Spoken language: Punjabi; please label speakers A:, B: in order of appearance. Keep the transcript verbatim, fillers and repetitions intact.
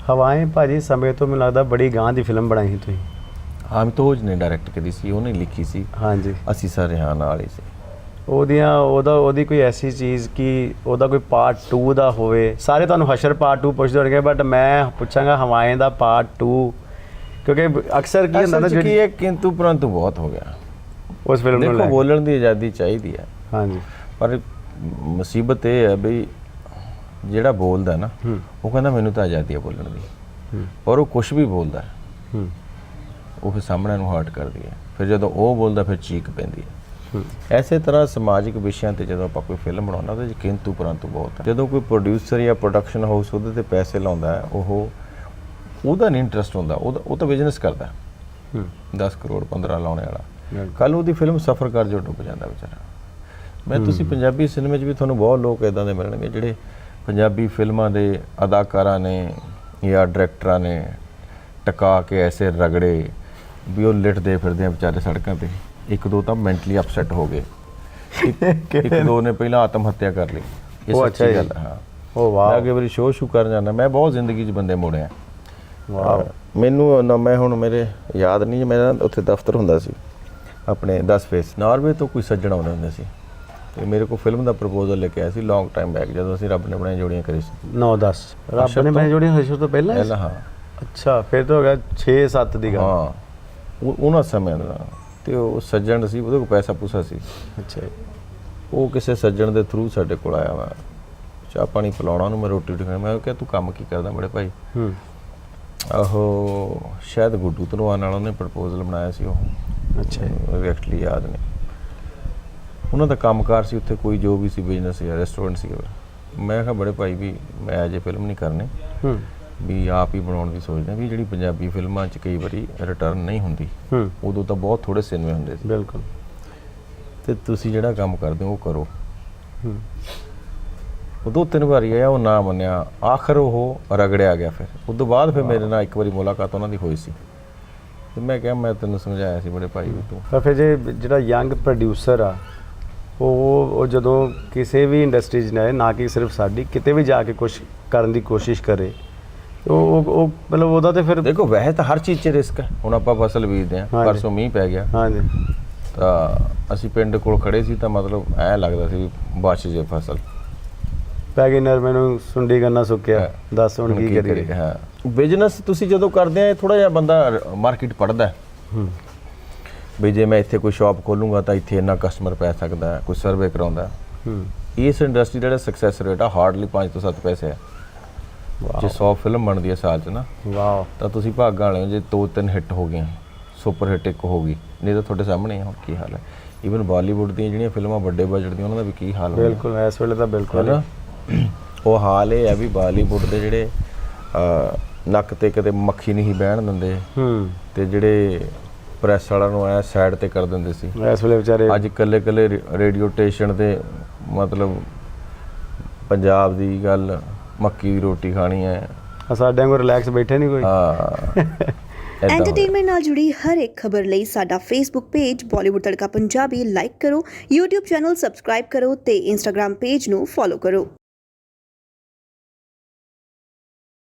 A: ਹਵਾएं ਭਾਜੀ ਸਮੇਂ ਤੋਂ ਮੈਨੂੰ ਲੱਗਦਾ ਬੜੀ ਗਾਂ ਦੀ ਫਿਲਮ ਬਣਾਈ ਸੀ ਤੁਸੀਂ।
B: ਆਮਿਤੋਜ ਨੇ ਡਾਇਰੈਕਟ ਕਰੀ ਸੀ, ਉਹਨੇ ਲਿਖੀ ਸੀ।
A: ਹਾਂਜੀ
B: ਅਸੀਂ ਸਾਰੇ ਹਾਂ ਨਾਲ ਹੀ ਸੀ।
A: ਉਹਦੀਆਂ ਉਹਦਾ ਉਹਦੀ ਕੋਈ ਐਸੀ ਚੀਜ਼ ਕਿ ਉਹਦਾ ਕੋਈ ਪਾਰਟ ਟੂ ਦਾ ਹੋਵੇ। ਸਾਰੇ ਤੁਹਾਨੂੰ ਹਸ਼ਰ ਪਾਰਟ ਟੂ ਪੁੱਛਦੇ ਹੋਣਗੇ, ਬਟ ਮੈਂ ਪੁੱਛਾਂਗਾ ਹਵਾएं ਦਾ ਪਾਰਟ ਟੂ, ਕਿਉਂਕਿ ਅਕਸਰ ਕੀ ਹੁੰਦਾ ਨਾ
B: ਜਿਹੜੀ ਇਹ ਕਿੰਤੂ ਪਰੰਤੂ ਬਹੁਤ ਹੋ ਗਿਆ
A: ਉਸ ਫਿਲਮ ਨੂੰ।
B: ਦੇਖੋ ਬੋਲਣ ਦੀ ਆਜ਼ਾਦੀ ਚਾਹੀਦੀ ਹੈ,
A: ਹਾਂਜੀ, ਪਰ
B: ਮੁਸੀਬਤ ਇਹ ਹੈ ਬਈ ਜਿਹੜਾ ਬੋਲਦਾ ਨਾ ਉਹ ਕਹਿੰਦਾ ਮੈਨੂੰ ਤਾਂ ਆਜ਼ਾਦੀ ਹੈ ਬੋਲਣ ਦੀ, ਪਰ ਉਹ ਕੁਛ ਵੀ ਬੋਲਦਾ ਉਹ ਫਿਰ ਸਾਹਮਣੇ ਨੂੰ ਹਰਟ ਕਰਦੀ ਹੈ। ਫਿਰ ਜਦੋਂ ਉਹ ਬੋਲਦਾ ਫਿਰ ਚੀਕ ਪੈਂਦੀ ਹੈ। ਐਸੇ ਤਰ੍ਹਾਂ ਸਮਾਜਿਕ ਵਿਸ਼ਿਆਂ 'ਤੇ ਜਦੋਂ ਆਪਾਂ ਕੋਈ ਫਿਲਮ ਬਣਾਉਂਦਾ ਉਹਦੇ 'ਚ ਕਿੰਤੂ ਪਰੰਤੂ ਬਹੁਤ ਹੈ। ਜਦੋਂ ਕੋਈ ਪ੍ਰੋਡਿਊਸਰ ਜਾਂ ਪ੍ਰੋਡਕਸ਼ਨ ਹਾਊਸ ਉਹਦੇ 'ਤੇ ਪੈਸੇ ਲਾਉਂਦਾ ਹੈ, ਉਹ ਉਹਦਾ ਨਹੀਂ ਇੰਟਰਸਟ ਹੁੰਦਾ, ਉਹਦਾ ਉਹ ਤਾਂ ਬਿਜ਼ਨਸ ਕਰਦਾ ਦਸ ਕਰੋੜ ਪੰਦਰਾਂ ਲਾਉਣੇ ਵਾਲਾ। ਕੱਲ੍ਹ ਉਹਦੀ ਫਿਲਮ ਸਫਰ ਕਰ ਜੋ ਡੁੱਬ ਜਾਂਦਾ ਵਿਚਾਰਾ। ਮੈਂ ਤੁਸੀਂ ਪੰਜਾਬੀ ਸਿਨੇਮੇ 'ਚ ਵੀ ਤੁਹਾਨੂੰ ਬਹੁਤ ਲੋਕ ਇੱਦਾਂ ਦੇ ਮਿਲਣਗੇ ਜਿਹੜੇ ਪੰਜਾਬੀ ਫਿਲਮਾਂ ਦੇ ਅਦਾਕਾਰਾਂ ਨੇ ਜਾਂ ਡਾਇਰੈਕਟਰਾਂ ਨੇ ਟਕਾ ਕੇ ਐਸੇ ਰਗੜੇ ਵੀ ਉਹ ਲਿਟਦੇ ਫਿਰਦੇ ਆ ਵਿਚਾਰੇ ਸੜਕਾਂ 'ਤੇ। ਇੱਕ ਦੋ ਤਾਂ ਮੈਂਟਲੀ ਅਪਸੈਟ ਹੋ ਗਏ, ਇੱਕ ਦੋ ਨੇ ਪਹਿਲਾਂ ਆਤਮ ਹੱਤਿਆ ਕਰ ਲਈ। ਇਹ ਸੱਚੀ ਗੱਲ ਹੈ। ਹਾਂ, ਉਹ ਵਾਹ, ਅੱਗੇ ਵਾਰੀ ਸ਼ੋਅ ਸ਼ੂ ਕਰਨ ਜਾਂਦਾ ਮੈਂ ਬਹੁਤ ਜ਼ਿੰਦਗੀ 'ਚ ਬੰਦੇ ਮੋੜਿਆ। ਵਾਹ, ਮੈਨੂੰ ਨਾ ਮੈਂ ਹੁਣ ਮੇਰੇ ਯਾਦ ਨਹੀਂ, ਮੇਰਾ ਉੱਥੇ ਦਫ਼ਤਰ ਹੁੰਦਾ ਸੀ ਆਪਣੇ ਦਸ ਫੇਸ ਨਾਰਵੇ ਤੋਂ ਕੋਈ ਸੱਜਣ ਆਉਂਦੇ ਹੁੰਦੇ ਸੀ ਤੇ ਮੇਰੇ ਕੋਲ ਫਿਲਮ ਦਾ ਪ੍ਰਪੋਜ਼ਲ ਲੈ ਕੇ ਆਇਆ ਸੀ ਲੌਂਗ ਟਾਈਮ ਬੈਕ, ਜਦੋਂ ਅਸੀਂ ਰੱਬ ਨੇ ਬਣਾਈਆਂ ਜੋੜੀਆਂ ਕਰੀ ਸੀ। ਨੌ ਦਸ ਰੱਬ ਨੇ ਬਣਾਈਆਂ ਜੋੜੀਆਂ ਹਸ਼ਰ ਤੋਂ ਪਹਿਲਾਂ ਪਹਿਲਾਂ ਹਾਂ। ਅੱਛਾ, ਫਿਰ ਤਾਂ ਹੋ ਗਿਆ ਛੇ ਸੱਤ ਦੀ ਗੱਲ। ਹਾਂ, ਉਹ ਉਹਨਾਂ ਸਮਿਆਂ ਦਾ। ਤੇ ਉਹ ਸੱਜਣ ਸੀ, ਉਹਦੇ ਕੋਲ ਪੈਸਾ ਪੂਸਾ ਸੀ। ਅੱਛਾ, ਉਹ ਕਿਸੇ ਸੱਜਣ ਦੇ ਥਰੂ ਸਾਡੇ ਕੋਲ ਆਇਆ ਵਾ, ਚਾਹ ਪਾਣੀ ਪਿਲਾਉਣਾ ਉਹਨੂੰ, ਮੈਂ ਰੋਟੀ ਰੋਟੀ ਖਾਣੀ। ਮੈਂ ਕਿਹਾ ਤੂੰ ਕੰਮ ਕੀ ਕਰਦਾ ਬੜੇ ਭਾਈ? ਉਹ ਸ਼ਾਇਦ ਗੁੱਡੂ ਧਨੋਆ ਨਾਲ ਉਹਨੇ ਪ੍ਰਪੋਜ਼ਲ ਬਣਾਇਆ ਸੀ ਉਹ। ਅੱਛਾ, ਐਗਜ਼ੈਕਟਲੀ ਯਾਦ ਨਹੀਂ। ਉਹਨਾਂ ਦਾ ਕੰਮਕਾਰ ਸੀ ਉੱਥੇ, ਕੋਈ ਜੋ ਵੀ ਸੀ ਬਿਜ਼ਨਸ ਜਾਂ ਰੈਸਟੋਰੈਂਟ ਸੀ। ਮੈਂ ਕਿਹਾ ਬੜੇ ਭਾਈ ਵੀ ਮੈਂ ਅਜੇ ਫਿਲਮ ਨਹੀਂ ਕਰਨੀ, ਵੀ ਆਪ ਹੀ ਬਣਾਉਣ ਦੀ ਸੋਚਦਾ ਵੀ ਜਿਹੜੀ ਪੰਜਾਬੀ ਫਿਲਮਾਂ 'ਚ ਕਈ ਵਾਰੀ ਰਿਟਰਨ ਨਹੀਂ ਹੁੰਦੀ, ਉਦੋਂ ਤਾਂ ਬਹੁਤ ਥੋੜ੍ਹੇ ਸਿਨੇਮੇ ਹੁੰਦੇ ਸੀ। ਬਿਲਕੁਲ, ਅਤੇ ਤੁਸੀਂ ਜਿਹੜਾ ਕੰਮ ਕਰਦੇ ਹੋ ਉਹ ਕਰੋ। ਉਹ ਦੋ ਤਿੰਨ ਵਾਰੀ ਆਇਆ, ਉਹ ਨਾ ਮੰਨਿਆ, ਆਖਰ ਉਹ ਰਗੜਿਆ ਗਿਆ। ਫਿਰ ਉਸ ਤੋਂ ਬਾਅਦ ਫਿਰ ਮੇਰੇ ਨਾਲ ਇੱਕ ਵਾਰੀ ਮੁਲਾਕਾਤ ਉਹਨਾਂ ਦੀ ਹੋਈ ਸੀ ਅਤੇ ਮੈਂ ਕਿਹਾ ਮੈਂ ਤੈਨੂੰ ਸਮਝਾਇਆ ਸੀ ਬੜੇ ਭਾਈ ਵੀ ਤੂੰ। ਤਾਂ ਫਿਰ ਜੇ ਜਿਹੜਾ ਯੰਗ ਪ੍ਰੋਡਿਊਸਰ ਆ ਉਹ ਉਹ ਜਦੋਂ ਕਿਸੇ ਵੀ ਇੰਡਸਟਰੀ 'ਚ ਨਾ ਨਾ ਕਿ ਸਿਰਫ ਸਾਡੀ, ਕਿਤੇ ਵੀ ਜਾ ਕੇ ਕੁਛ ਕਰਨ ਦੀ ਕੋਸ਼ਿਸ਼ ਕਰੇ ਉਹ ਉਹ ਮਤਲਬ ਉਹਦਾ ਤਾਂ ਫਿਰ ਦੇਖੋ ਵੈਸੇ ਤਾਂ ਹਰ ਚੀਜ਼ 'ਚ ਰਿਸਕ ਹੈ। ਹੁਣ ਆਪਾਂ ਫਸਲ ਬੀਜਦੇ ਹਾਂ, ਪਰਸੋਂ ਮੀਂਹ ਪੈ ਗਿਆ, ਹਾਂਜੀ, ਤਾਂ ਅਸੀਂ ਪਿੰਡ ਕੋਲ ਖੜ੍ਹੇ ਸੀ ਤਾਂ ਮਤਲਬ ਐਂ ਲੱਗਦਾ ਸੀ ਵੀ ਬਚ ਜੇ ਫਸਲ ਪੈ ਗਈ, ਨਰਮੇ ਨੂੰ ਸੁੰਡੀ ਗੰਨਾ ਸੁੱਕਿਆ, ਦੱਸ ਹੁਣ ਕੀ ਕਰੀਏ। ਹਾਂ, ਬਿਜ਼ਨਸ ਤੁਸੀਂ ਜਦੋਂ ਕਰਦੇ ਆ ਥੋੜ੍ਹਾ ਜਿਹਾ ਬੰਦਾ ਮਾਰਕੀਟ ਪੜ੍ਹਦਾ ਵੀ ਜੇ ਮੈਂ ਇੱਥੇ ਕੋਈ ਸ਼ਾਪ ਖੋਲੂੰਗਾ ਤਾਂ ਇੱਥੇ ਇੰਨਾ ਕਸਟਮਰ ਪੈ ਸਕਦਾ, ਕੋਈ ਸਰਵੇ ਕਰਾਉਂਦਾ। ਇਸ ਇੰਡਸਟਰੀ ਦਾ ਜਿਹੜਾ ਸਕਸੈਸ ਰੇਟ ਆ ਹਾਰਡਲੀ ਪੰਜ ਤੋਂ ਸੱਤ ਪੈਸੇ ਹੈ। ਜੇ ਸੌ ਫਿਲਮ ਬਣਦੀ ਹੈ ਸਾਲ 'ਚ ਨਾ, ਵਾਹ, ਤਾਂ ਤੁਸੀਂ ਭਾਗਾਂ ਵਾਲੇ ਹੋ ਜੇ ਦੋ ਤਿੰਨ ਹਿੱਟ ਹੋ ਗਈਆਂ, ਸੁਪਰ ਹਿੱਟ ਇੱਕ ਹੋ ਗਈ, ਨਹੀਂ ਤਾਂ ਤੁਹਾਡੇ ਸਾਹਮਣੇ ਹੁਣ ਕੀ ਹਾਲ ਹੈ। ਈਵਨ ਬਾਲੀਵੁੱਡ ਦੀਆਂ ਜਿਹੜੀਆਂ ਫਿਲਮਾਂ ਵੱਡੇ ਬਜਟ ਦੀਆਂ ਉਹਨਾਂ ਦਾ ਵੀ ਕੀ ਹਾਲ ਹੋਇਆ। ਬਿਲਕੁਲ, ਇਸ ਵੇਲੇ ਤਾਂ ਬਿਲਕੁਲ ਨਾ ਉਹ ਹਾਲ ਇਹ ਹੈ ਵੀ ਬਾਲੀਵੁੱਡ ਦੇ ਜਿਹੜੇ ਨੱਕ 'ਤੇ ਕਦੇ ਮੱਖੀ ਨਹੀਂ ਬਹਿਣ ਦਿੰਦੇ ਅਤੇ ਜਿਹੜੇ ਪ੍ਰੈਸ ਵਾਲਿਆਂ ਨੂੰ ਐ ਸਾਈਡ 'ਤੇ ਕਰ ਦਿੰਦੇ ਸੀ, ਇਸ ਵੇਲੇ ਵਿਚਾਰੇ ਅੱਜ ਇਕੱਲੇ ਇਕੱਲੇ ਰੇਡੀਓ ਸਟੇਸ਼ਨ 'ਤੇ ਮਤਲਬ ਪੰਜਾਬ ਦੀ ਗੱਲ ਮੱਕੀ ਦੀ ਰੋਟੀ ਖਾਣੀ ਹੈ, ਸਾਡੇ ਵਾਂਗੂ ਰਿਲੈਕਸ ਬੈਠੇ ਨਹੀਂ ਕੋਈ। ਹਾਂ,
C: ਐਂਟਰਟੇਨਮੈਂਟ ਨਾਲ ਜੁੜੀ ਹਰ ਇੱਕ ਖਬਰ ਲਈ ਸਾਡਾ Facebook page Bollywood Tadka Punjabi like ਕਰੋ, YouTube ਚੈਨਲ ਸਬਸਕ੍ਰਾਈਬ ਕਰੋ ਤੇ Instagram ਪੇਜ ਨੂੰ ਫੋਲੋ ਕਰੋ।